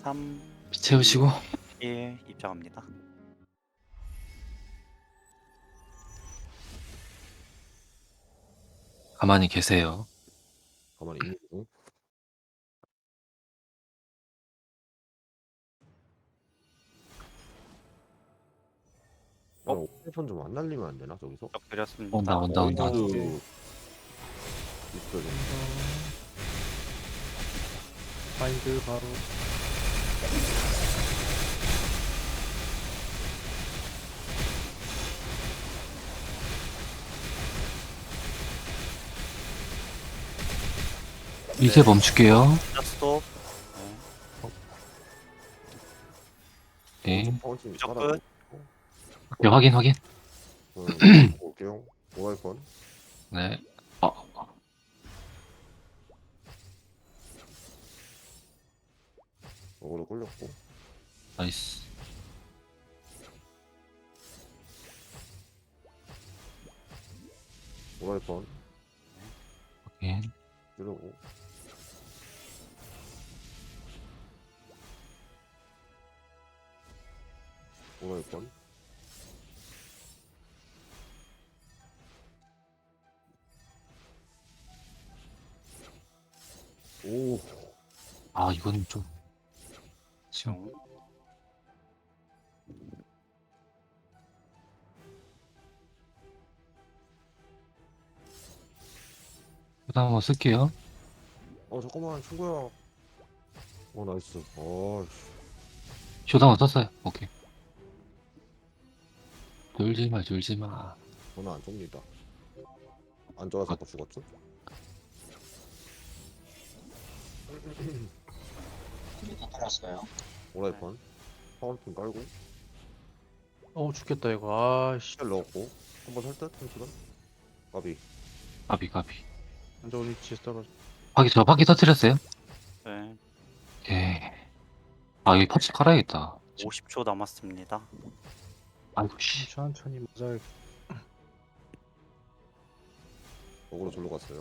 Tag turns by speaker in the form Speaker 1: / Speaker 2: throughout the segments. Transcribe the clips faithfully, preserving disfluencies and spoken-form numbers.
Speaker 1: 삼,
Speaker 2: 피 채우시고
Speaker 1: 일 입장합니다.
Speaker 2: 가만히 계세요.
Speaker 3: 가만히 있는 중. 어? 오펜션 좀 안 날리면 안 되나 저기서?
Speaker 1: 적 드렸습니다.
Speaker 2: 온다 온다 온다.
Speaker 3: 나이스. 있어 좀.
Speaker 4: 마인드 바로
Speaker 2: 이제 멈출게요.
Speaker 1: 자, 스톱. 네.
Speaker 2: 네.
Speaker 3: 파운틴
Speaker 1: 무적
Speaker 3: 깔아줘.
Speaker 1: 끝.
Speaker 2: 네, 확인 확인.
Speaker 3: 음, 볼게요. 오라이컨.
Speaker 2: 네. 어, 어.
Speaker 3: 어그로 끌렸고.
Speaker 2: 나이스.
Speaker 3: 오라이컨.
Speaker 2: 확인.
Speaker 3: 이러고. 오라이컨. 오.
Speaker 2: 아 이건 좀 지금
Speaker 1: 정.
Speaker 2: 일단 한번 쓸게요.
Speaker 3: 어 잠깐만 친구야. 어 나이스. 어
Speaker 2: 쇼다 한번 썼어요. 오케이. 돌지 마, 돌지 마.
Speaker 3: 저는 안 좁니다. 안 좋아서 아까 죽었죠?
Speaker 5: 다 깔았어요.
Speaker 3: 오라이컨. 파운틴 깔고.
Speaker 4: 어 죽겠다 이거. 아씨
Speaker 3: 쉘 넣었고. 한번 살듯 한시간. 까비.
Speaker 2: 가비 가비.
Speaker 4: 안 좋은 위치에서 떨어져.
Speaker 2: 바퀴 저 바퀴 터뜨렸어요?
Speaker 1: 네.
Speaker 2: 오케이. 아 여기 파츠 깔아야겠다.
Speaker 1: 오십 초 남았습니다.
Speaker 2: 아이고 씨.
Speaker 4: 천천히 맞아.
Speaker 3: 어그로 절로 갔어요.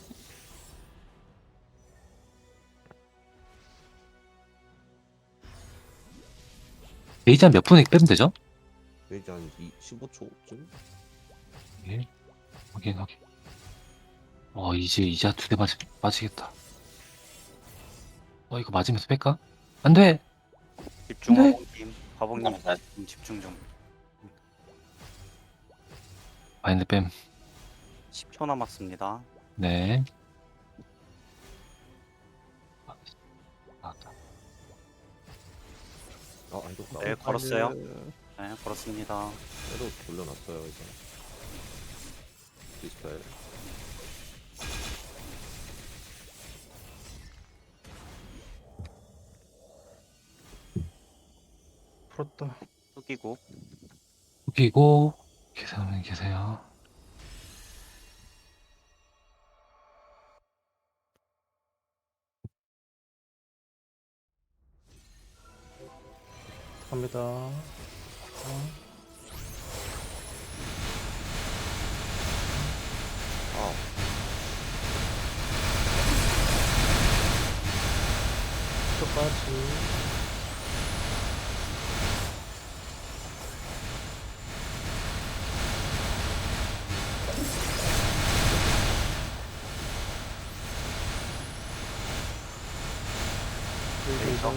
Speaker 2: 베이지 한 몇 분에 빼면 되죠?
Speaker 3: 베이지 한 십오 초쯤?
Speaker 2: 예. 확인 확인. 어 이제 이제 두 대 맞 빠지겠다. 어 이거 맞으면서 뺄까? 안 돼.
Speaker 1: 집중
Speaker 2: 네.
Speaker 1: 화봉님. 화봉님
Speaker 5: 네.
Speaker 1: 좀 집중 좀.
Speaker 2: 마인드 뺨.
Speaker 1: 십 초 남았습니다.
Speaker 2: 네. 아, 나왔다.
Speaker 3: 아, 안 좋다.
Speaker 1: 네, 걸었어요. 네, 걸었습니다.
Speaker 3: 때로 돌려놨어요, 이제. 디스펠.
Speaker 4: 풀었다.
Speaker 1: 숙이고.
Speaker 2: 웃기고 계세요 계세요.
Speaker 4: 갑니다. 어.
Speaker 3: 아,
Speaker 4: 끝까지.
Speaker 1: 레이저.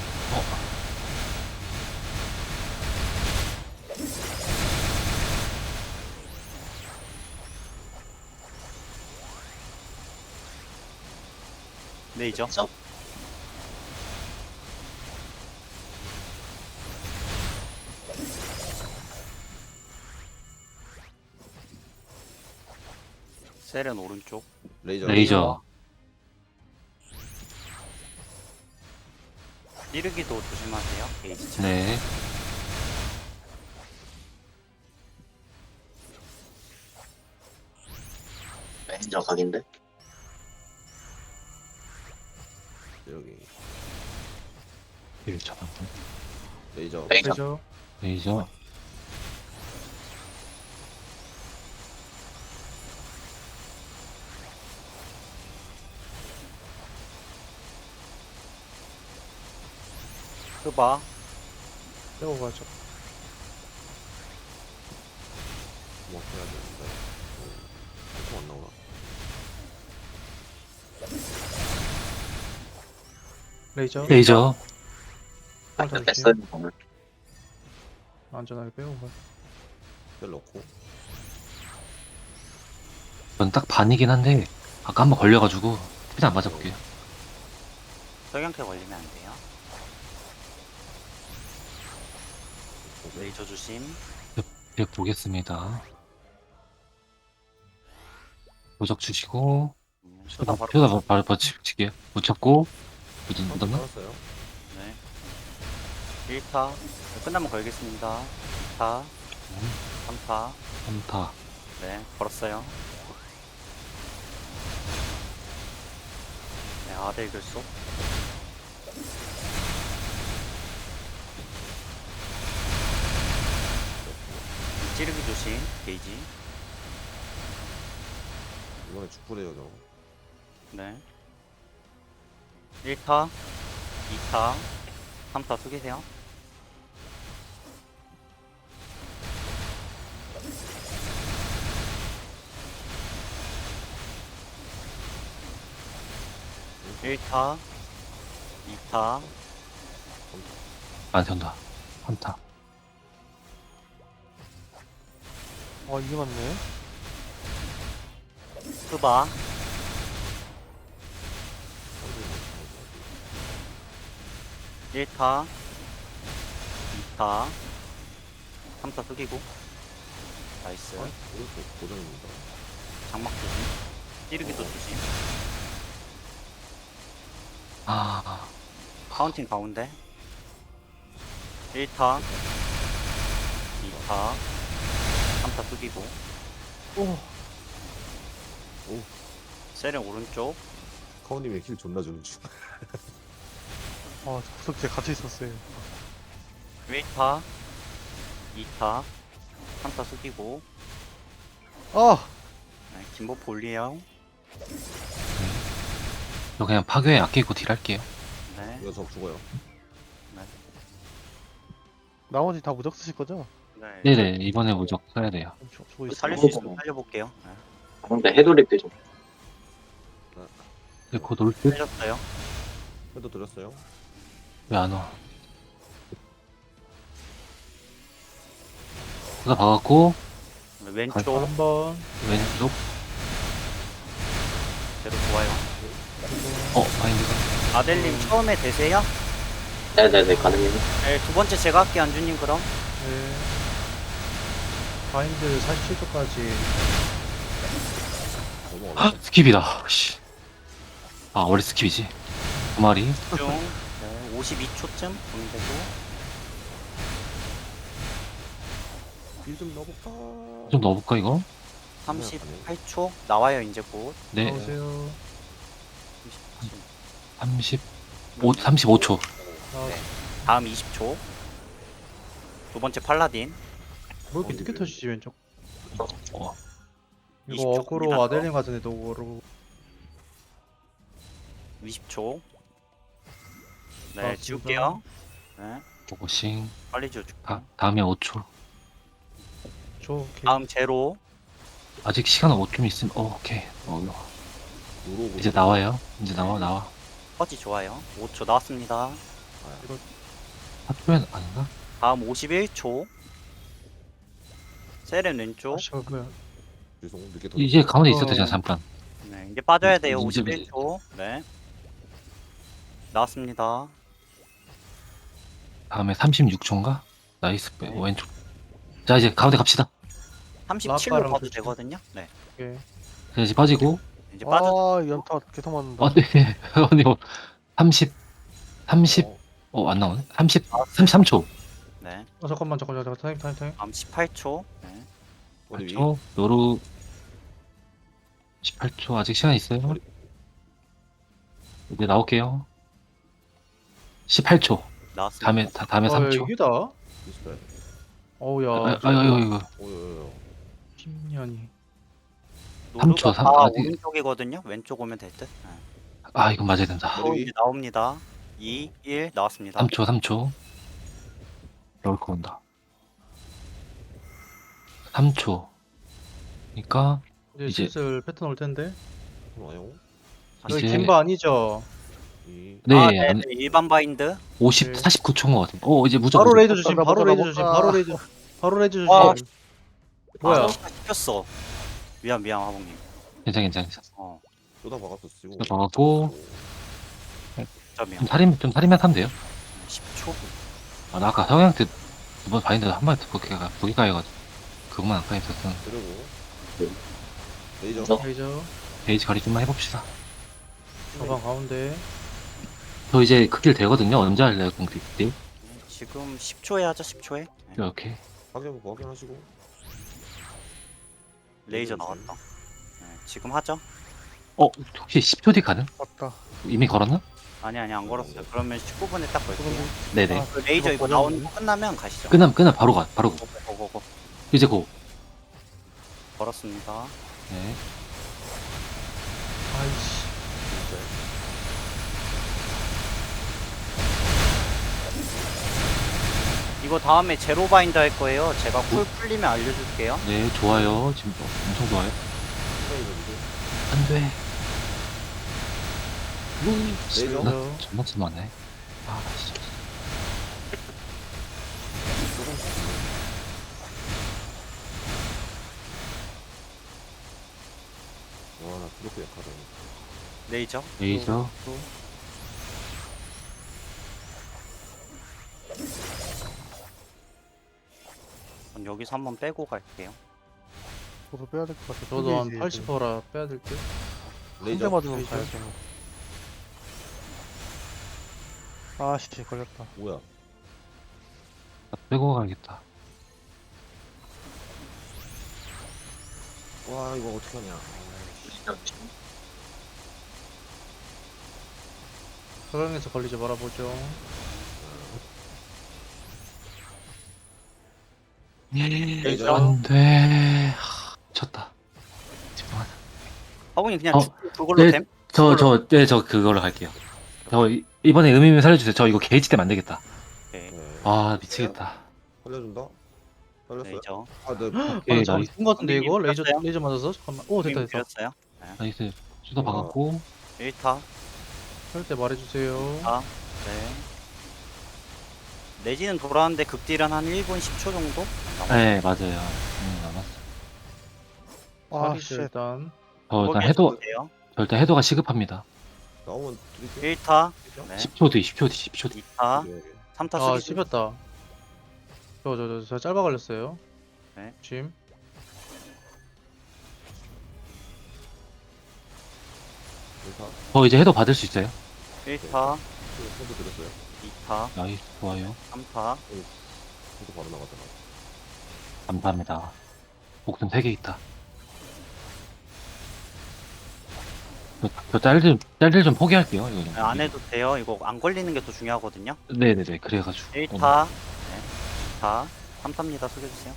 Speaker 1: 레이저.
Speaker 5: 그래서
Speaker 1: 셀은 오른쪽.
Speaker 3: 레이저.
Speaker 2: 레이저.
Speaker 1: 찌르기도 조심하세요. 게이지 차.
Speaker 2: 네.
Speaker 5: 매니저 각인데
Speaker 3: 여기.
Speaker 2: 일 차.
Speaker 3: 레이저.
Speaker 5: 레이저
Speaker 4: 레이저.
Speaker 2: 레이저.
Speaker 1: 흑바.
Speaker 4: 빼고 가죠.
Speaker 3: 뭐 해야 되는데. 조금 안 나오나?
Speaker 4: 레이저.
Speaker 2: 레이저.
Speaker 5: 바인드
Speaker 4: 잘
Speaker 5: 뺐어요
Speaker 4: 조심.
Speaker 5: 오늘.
Speaker 4: 안전하게 빼고 가.
Speaker 3: 셀 넣고.
Speaker 2: 전 딱 반이긴 한데 아까 한번 걸려가지고 그냥 안 맞아볼게요.
Speaker 1: 석양캐 걸리면 안 돼요. 레이저 조심.
Speaker 2: 네, 보겠습니다. 도적 주시고
Speaker 1: 음, 쏘다 바로.
Speaker 2: 펴다 바로 버치게요. 못 잡고 묻은 묻었나?
Speaker 3: 알았어요.
Speaker 1: 네. 일 타. 끝나면 걸겠습니다. 이 타. 삼 타.
Speaker 2: 삼 타.
Speaker 1: 네, 걸었어요. 네, 아델 결속. 찌르기 조심, 게이지.
Speaker 3: 이번에 축구래요 저.
Speaker 1: 네. 일 타, 이 타, 삼 타 숙이세요. 일 타, 이 타,
Speaker 2: 안 된다. 삼 타.
Speaker 4: 아 이게 맞네.
Speaker 1: 스바, 일 타, 이 타, 삼 타 숙이고. 나이스.
Speaker 3: 오른쪽 고정입니다.
Speaker 1: 장막 조심. 찌르기도 조심.
Speaker 2: 아,
Speaker 1: 카운팅 가운데. 일 타, 이 타, 삼 타 숙이고.
Speaker 4: 오.
Speaker 1: 세렌 오른쪽.
Speaker 3: 카우님의 힐 존나 주는 중.
Speaker 4: 아 구석지에 같이 있었어요.
Speaker 1: 일 타, 이 타, 삼 타 숙이고.
Speaker 4: 아.
Speaker 1: 네, 김보포 올리에요.
Speaker 2: 저 그냥 파괴에 아끼고 딜할게요.
Speaker 1: 네.
Speaker 3: 이거 저 죽어요.
Speaker 4: 나머지 다 무적 쓰실 거죠?
Speaker 1: 네.
Speaker 2: 네네, 이번에 무적 써야 돼요.
Speaker 4: 저, 저거 있어요.
Speaker 1: 살릴 수 있으면 살려볼게요. 네.
Speaker 5: 근데 해돌립 좀.
Speaker 2: 근데 곧 올 듯?
Speaker 1: 살렸어요.
Speaker 3: 해도 드렸어요.
Speaker 2: 왜 안 와? 그다 박았고,
Speaker 1: 네, 왼쪽
Speaker 2: 아,
Speaker 4: 한번.
Speaker 2: 왼쪽,
Speaker 1: 대로 좋아요.
Speaker 2: 어, 마인드가.
Speaker 1: 아델님 처음에 되세요?
Speaker 5: 네네네 가능해요.
Speaker 1: 네, 두 번째 제가 할게요, 안주님 그럼.
Speaker 4: 네. 바인드 사십칠 초까지.
Speaker 3: 너무
Speaker 2: 헉,
Speaker 3: 어렵다.
Speaker 2: 스킵이다. 씨. 아, 원래 스킵이지. 두 마리.
Speaker 1: 중 네, 오십이 초쯤 보면 되고.
Speaker 3: 힐좀 넣어볼까?
Speaker 2: 좀 넣어볼까, 이거?
Speaker 1: 삼십팔 초 나와요, 이제 곧.
Speaker 2: 네,
Speaker 4: 나오세요.
Speaker 2: 삼십오, 삼십오 초.
Speaker 4: 나오세요.
Speaker 1: 네. 다음 이십 초. 두 번째 팔라딘.
Speaker 4: 뭐 이렇게 늦게 터지지 왼쪽.
Speaker 2: 어,
Speaker 1: 이십
Speaker 4: 이거
Speaker 1: 초
Speaker 4: 어그로
Speaker 1: 갑니다.
Speaker 4: 아델린 같은데 도 어그로.
Speaker 1: 이십 초. 네,
Speaker 4: 나왔습니다.
Speaker 1: 지울게요. 네,
Speaker 2: 고고싱.
Speaker 1: 빨리 지워줄게요.
Speaker 2: 다, 다음에 오 초.
Speaker 4: 저 오케이.
Speaker 1: 다음 제로.
Speaker 2: 아직 시간 오 좀 있으면, 어, 오케이. 어,
Speaker 3: 누르고
Speaker 2: 이제 나와요. 이제 나와, 나와.
Speaker 1: 퍼지 좋아요. 오 초 나왔습니다.
Speaker 2: 사 초면 아닌가?
Speaker 1: 다음 오십일 초. 세렌 왼쪽.
Speaker 4: 아 씨발 뭐야.
Speaker 3: 죄송 늦게 더.
Speaker 2: 이제 가운데 있어도
Speaker 4: 어.
Speaker 2: 되잖아, 잠깐.
Speaker 1: 네, 이제 빠져야 돼요.
Speaker 2: 이제-
Speaker 1: 오십일 초. 네. 나왔습니다.
Speaker 2: 다음에 삼십육 초인가? 나이스, 빼.
Speaker 3: 네.
Speaker 2: 왼쪽. 자, 이제 가운데 갑시다.
Speaker 1: 삼십칠로
Speaker 4: 라빠랑
Speaker 1: 가도
Speaker 4: 조심.
Speaker 1: 되거든요. 네.
Speaker 2: 네.
Speaker 4: 오케이.
Speaker 2: 자, 이제 빠지고.
Speaker 1: 이제 빠져.
Speaker 4: 아 연타 계속 맞는다.
Speaker 2: 아, 네. 언니, 뭐, 삼십, 삼십,
Speaker 3: 어,
Speaker 2: 어, 안 나오네? 삼십, 삼십삼 초.
Speaker 1: 네.
Speaker 4: 어 잠깐만 잠깐만 잠깐 타임 타임 타임.
Speaker 1: 다음 십팔 초. 네.
Speaker 3: 어디 위?
Speaker 2: 팔 초. 노루. 십팔 초. 아직 시간 있어요.
Speaker 3: 머리.
Speaker 2: 이제 나올게요. 십팔 초.
Speaker 1: 나왔습니다.
Speaker 2: 다음에, 다, 다음에
Speaker 4: 아
Speaker 2: 삼 초.
Speaker 4: 이게 다?
Speaker 3: 이십팔.
Speaker 4: 어우야.
Speaker 2: 아, 아, 아, 이거, 이거.
Speaker 3: 오요요요.
Speaker 4: 십 년이.
Speaker 2: 삼 초,
Speaker 1: 노루가
Speaker 2: 삼-
Speaker 1: 다
Speaker 2: 아직-
Speaker 1: 오른쪽이거든요. 왼쪽 오면 될 듯. 네.
Speaker 2: 아, 이건 맞아야 된다.
Speaker 1: 또
Speaker 3: 머리 위?
Speaker 1: 이제 나옵니다. 이, 일 나왔습니다.
Speaker 2: 삼 초, 삼 초. 럴커 온다. 삼 초. 그러니까
Speaker 4: 이제,
Speaker 2: 이제-
Speaker 4: 슬슬 패턴 올 텐데.
Speaker 3: 와요.
Speaker 4: 여기
Speaker 2: 이제-
Speaker 4: 김바 아니죠?
Speaker 3: 이.
Speaker 2: 네,
Speaker 1: 아, 네,
Speaker 2: 안-
Speaker 1: 네, 일반 바인드.
Speaker 2: 오십,
Speaker 4: 네.
Speaker 2: 사십구 초인 것 같은데. 어, 이제 무조건.
Speaker 4: 바로
Speaker 2: 무조건.
Speaker 4: 레이저 조심. 바로 레이저 조심. 바로 레이저. 바로 레이저 조심.
Speaker 1: 와,
Speaker 4: 뭐야?
Speaker 1: 아, 시켰어. 미안 미안 화봉님.
Speaker 2: 괜찮아, 괜찮아. 괜찮아.
Speaker 1: 어,
Speaker 3: 쏟아 박았어 지금.
Speaker 2: 쏟아 박았고.
Speaker 1: 점이야.
Speaker 2: 좀 살림, 좀 살림만 하면 돼요.
Speaker 1: 십 초.
Speaker 2: 아, 나 아까 형한테 두 번 바인드 한 마디 거기 가, 거기 가해가지고. 그것만 아까 했었던.
Speaker 3: 그리고
Speaker 5: 네.
Speaker 3: 레이저.
Speaker 5: 저-
Speaker 4: 레이저.
Speaker 2: 베이지 거리 좀만 해봅시다.
Speaker 4: 저방 가운데.
Speaker 2: 저 이제 그 길 되거든요. 언제 할래요, 공기 길?
Speaker 1: 지금 십 초에 하자. 십 초에. 네,
Speaker 2: 이렇게.
Speaker 3: 확인 확인하시고.
Speaker 1: 레이저 나왔다. 네, 지금 하죠?
Speaker 2: 어, 혹시 십 초 뒤 가능?
Speaker 4: 맞다.
Speaker 2: 이미 걸었나?
Speaker 1: 아니 아니 안 걸었어요. 그러면 십구 분에 딱 걸게요.
Speaker 2: 네네.
Speaker 1: 그 레이저 이거 나오는 거 끝나면 가시죠.
Speaker 2: 끝나면, 끝나면 바로 가, 바로 고.
Speaker 1: 고고고.
Speaker 2: 이제 고.
Speaker 1: 걸었습니다.
Speaker 2: 네.
Speaker 4: 아이씨.
Speaker 1: 이거 다음에 제로 바인드 할 거예요. 제가 쿨 풀리면 알려줄게요.
Speaker 2: 네, 좋아요. 지금 엄청 좋아요. 안 돼.
Speaker 3: 레이저.
Speaker 2: 나 존나 심하네. 아, 씨.
Speaker 3: 와나 그렇게 약하다.
Speaker 1: 레이저.
Speaker 2: 레이저.
Speaker 1: 전 여기서 한번 빼고 갈게요.
Speaker 6: 저도 빼야 될 것 같아.
Speaker 4: 저도 한 팔십 퍼라 빼야 될 듯.
Speaker 3: 레이저.
Speaker 6: 한대 맞으면
Speaker 4: 레이저.
Speaker 6: 가야죠. 아씨 걸렸다.
Speaker 3: 뭐야?
Speaker 2: 나 빼고 가야겠다.
Speaker 3: 와 이거 어떻게 하냐.
Speaker 4: 서강에서 걸리지 말아보죠.
Speaker 1: 레이저.
Speaker 2: 안 돼. 하, 쳤다. 집중하자.
Speaker 1: 화분이 그냥
Speaker 2: 어,
Speaker 1: 죽- 그걸로
Speaker 2: 네.
Speaker 1: 됨?
Speaker 2: 저, 저, 네, 저 그걸로 갈게요. 저 이- 이번에 의미면 살려주세요. 저 이거 게이지 때문에 안 되겠다.
Speaker 1: 오케이.
Speaker 3: 네.
Speaker 2: 아, 미치겠다.
Speaker 3: 살려준다. 살렸어요.
Speaker 1: 레이저.
Speaker 3: 아 네.
Speaker 2: 오케이,
Speaker 4: 아,
Speaker 2: 나이스.
Speaker 4: 죽은 것 같은데 이거? 레이저
Speaker 1: 됐어요?
Speaker 4: 레이저 맞아서? 잠깐만. 오 됐다 됐다.
Speaker 1: 드렸어요.
Speaker 2: 나이스. 수도 박았고.
Speaker 1: 일 타.
Speaker 4: 할 때 말해주세요.
Speaker 1: 아, 네. 내지는 돌아왔는데 극딜은 한 일 분 십 초 정도?
Speaker 2: 네, 맞아요. 음, 남았어.
Speaker 6: 아
Speaker 4: 사기죠
Speaker 6: 씨.
Speaker 4: 일단.
Speaker 2: 저 일단 해도,
Speaker 1: 돼요.
Speaker 2: 저 일단 해도가 시급합니다.
Speaker 3: 나오면 드릴게요.
Speaker 1: 일 타. 네.
Speaker 2: 십 초 뒤, 십 초 뒤, 십 초 뒤.
Speaker 1: 이 타.
Speaker 3: 네.
Speaker 1: 삼 타
Speaker 4: 아
Speaker 1: 수비.
Speaker 4: 씹혔다. 저 저 저 저 짧아 걸렸어요.
Speaker 1: 네.
Speaker 4: 짐.
Speaker 3: 일타.
Speaker 2: 저 이제 해도 받을 수 있어요?
Speaker 1: 일 타.
Speaker 3: 손도 드렸어요.
Speaker 1: 이 타.
Speaker 2: 나이스, 좋아요.
Speaker 1: 삼 타.
Speaker 3: 손도 바로 나갔잖아.
Speaker 2: 감사합니다. 목숨 세 개 있다. 저, 저 짤들, 짤들 좀 포기할게요. 이거 좀.
Speaker 1: 네, 안 해도 돼요. 이거 안 걸리는 게 더 중요하거든요.
Speaker 2: 네네네, 그래가지고.
Speaker 1: 일
Speaker 2: 어,
Speaker 1: 타. 네. 이 타. 삼 타입니다. 숙여주세요.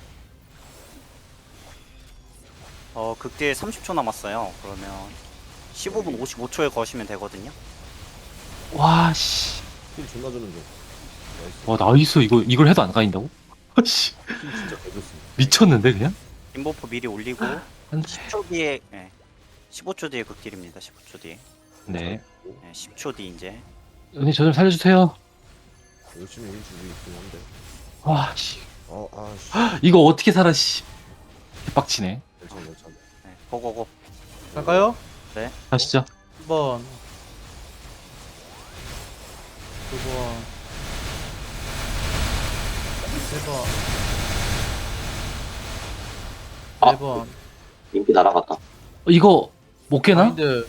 Speaker 1: 어, 극딜 삼십 초 남았어요. 그러면 십오 분 오십오 초에 거시면 되거든요.
Speaker 2: 와, 씨.
Speaker 3: 힐 존나 주는 중. 나이스.
Speaker 2: 와, 나이스. 이거, 이걸 해도 안 가인다고? 씨.
Speaker 3: 힐 진짜 잘 줬습니다.
Speaker 2: 미쳤는데, 그냥?
Speaker 1: 인버프 미리 올리고
Speaker 2: 안 돼.
Speaker 1: 십 초 뒤에 네. 십오 초 뒤에 극딜입니다. 십오 초 뒤에.
Speaker 2: 네.
Speaker 1: 네, 십 초 뒤 이제.
Speaker 2: 은희, 저 좀 살려주세요.
Speaker 3: 열심히 힐 주고 있긴 한데.
Speaker 2: 와, 씨.
Speaker 3: 어, 아, 씨.
Speaker 2: 이거 어떻게 살아, 씨. 빡치네.
Speaker 3: 괜찮아, 괜찮아.
Speaker 1: 네, 고고고.
Speaker 4: 갈까요?
Speaker 2: 가시죠.
Speaker 4: 한 번. 두 번. 세 번.
Speaker 5: 아.
Speaker 4: 네 번.
Speaker 5: 인기 날아갔다.
Speaker 2: 어, 이거, 못 깨나?
Speaker 4: 마인드.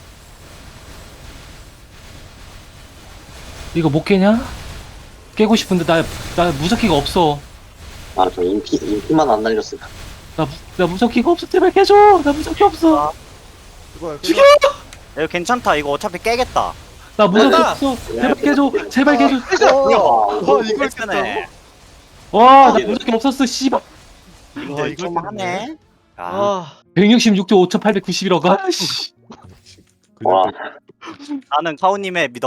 Speaker 2: 이거 못 깨냐? 깨고 싶은데, 나, 나 무적기가 없어.
Speaker 5: 아, 저 인기, 인기만 안 날렸으면.
Speaker 2: 나, 무- 나 무적기가 없어. 제발 깨줘. 나 무적기 없어.
Speaker 3: 이거
Speaker 2: 죽여!
Speaker 1: 이거 괜찮다. 이거 어차피 깨겠다.
Speaker 2: 나 무적기
Speaker 4: 됐다!
Speaker 2: 없어. 제발 깨줘. 제발 깨줘.
Speaker 5: 와,
Speaker 6: 와 이걸
Speaker 1: 괜찮네.
Speaker 2: 와, 나 무적기 없었어. 씨발.
Speaker 1: 님들
Speaker 6: 이걸
Speaker 1: 좀 하네. 아,
Speaker 4: 아.
Speaker 2: 백육십육 조 오천팔백구십일억. 아, 씨.
Speaker 5: 와.
Speaker 3: 그냥
Speaker 1: 나는 카우님의 믿어봄.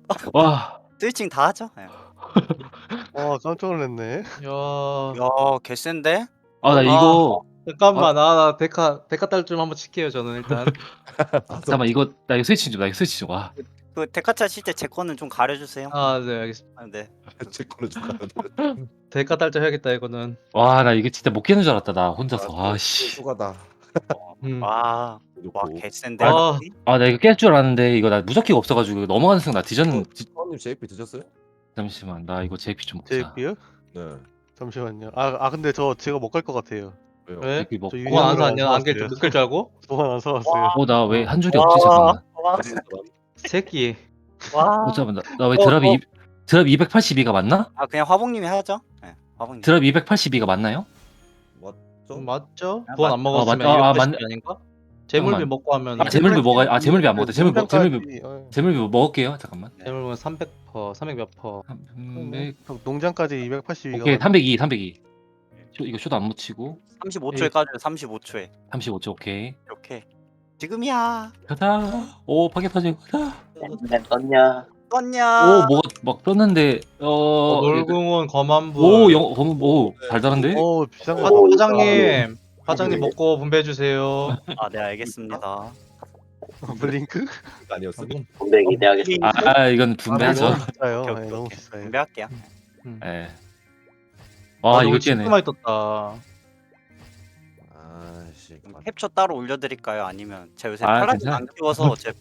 Speaker 2: 와,
Speaker 1: 스위칭 다 하죠. 예.
Speaker 6: 와 깜짝 놀랐네.
Speaker 4: 야,
Speaker 1: 야 개센데?
Speaker 2: 아, 나 이거,
Speaker 4: 잠깐만, 아, 나 데카 데카 딸 좀 한번 칠게요. 저는 일단.
Speaker 2: 잠깐만, 이거, 나 이거 스위치 좀, 나 이거 스위치 좀, 와.
Speaker 1: 그 데카차 칠 때 제 거는 좀 가려주세요.
Speaker 4: 아, 네, 알겠습니다.
Speaker 1: 아, 네.
Speaker 3: 제 거를 줄까?
Speaker 4: 데카 딸 좀 해야겠다 이거는.
Speaker 2: 와, 나 이게 진짜 못 깨는 줄 알았다, 나 혼자서. 아, 씨.
Speaker 3: 수가다.
Speaker 4: 음.
Speaker 1: 와, 와
Speaker 3: 좋고.
Speaker 1: 개센데.
Speaker 4: 아.
Speaker 2: 아, 나 이거 깰 줄 알았는데, 이거 나 무적기가 없어가지고, 이거 넘어가는 순간 나 뒤졌는, 뒤-
Speaker 3: 사원님 제이피 드셨어요?
Speaker 2: 잠시만, 나 이거 제이피 좀 먹자.
Speaker 6: 제이피요?
Speaker 3: 네.
Speaker 6: 잠시만요. 아, 아 근데 저 제가 못 갈 것 같아요.
Speaker 3: 왜요?
Speaker 4: 왜?
Speaker 2: 제이피 먹고.
Speaker 6: 저
Speaker 4: 그거 안
Speaker 6: 유형으로
Speaker 4: 사냐?
Speaker 6: 안
Speaker 4: 안길
Speaker 6: 사왔어요.
Speaker 4: 못끌 줄 알고?
Speaker 6: 동안 안 사왔어요.
Speaker 2: 어, 나 왜 한 줄이
Speaker 1: 와.
Speaker 2: 없지? 잠깐만.
Speaker 1: 와,
Speaker 4: 새끼.
Speaker 1: 와.
Speaker 2: 어, 잠깐만, 나 왜
Speaker 1: 어,
Speaker 2: 드랍이,
Speaker 1: 어.
Speaker 2: 이- 드랍 이백팔십이가 맞나?
Speaker 1: 아 그냥 화봉님이 하죠. 네, 화봉님.
Speaker 2: 드랍 이백팔십이가 맞나요?
Speaker 3: 좀
Speaker 4: 맞죠?
Speaker 1: 아,
Speaker 4: 부안
Speaker 1: 맞-
Speaker 4: 안 먹었으면
Speaker 2: 아, 맞- 아,
Speaker 4: 이백팔십
Speaker 2: 맞네.
Speaker 4: 아닌가? 재물비
Speaker 2: 잠깐만.
Speaker 4: 먹고 하면
Speaker 2: 아, 재물비 먹어야, 아, 재물비 안 먹었다. 재물비, 먹- 재물비,
Speaker 6: 농장까지,
Speaker 2: 재물비 먹을게요. 잠깐만.
Speaker 4: 재물비는 삼백 퍼, 삼백 몇 퍼.
Speaker 2: 삼백,
Speaker 6: 어, 농장까지 이백팔십이가
Speaker 2: 오케이, 삼백이, 삼백이. 쇼, 이거 쇼도 안 묻히고.
Speaker 1: 삼십오 초에 까줘요. 삼십오 초에.
Speaker 2: 삼십오 초, 오케이.
Speaker 1: 이렇게. 지금이야.
Speaker 2: 가자. 오, 파괴 터지고, 가자.
Speaker 5: 네, 떴냐?
Speaker 1: 떴냐?
Speaker 2: 오, 뭐가 막 떴는데, 어,
Speaker 4: 어, 놀궁원 검안부.
Speaker 2: 오, 영, 검, 오, 달달한데?
Speaker 6: 어 비싼
Speaker 4: 화,
Speaker 6: 거.
Speaker 5: 오,
Speaker 4: 사장님, 사장님
Speaker 5: 네.
Speaker 4: 먹고 분배해 주세요.
Speaker 1: 아, 네 알겠습니다.
Speaker 6: 블링크?
Speaker 3: 아니었어.
Speaker 5: 분배 기대하겠습니다.
Speaker 2: 아, 이건 분배하죠.
Speaker 6: 너무 비싸요.
Speaker 1: 오케이,
Speaker 6: 네,
Speaker 1: 오케이,
Speaker 6: 너무
Speaker 1: 오케이.
Speaker 6: 비싸요.
Speaker 1: 준비할게요.
Speaker 2: 예. 와, 이거
Speaker 4: 진짜
Speaker 2: 깨네.
Speaker 4: 많이 떴다.
Speaker 3: 아씨.
Speaker 1: 캡처 따로 올려드릴까요? 아니면 제가 요새
Speaker 2: 아,
Speaker 1: 파라딘
Speaker 2: 괜찮아.
Speaker 1: 안 키워서 제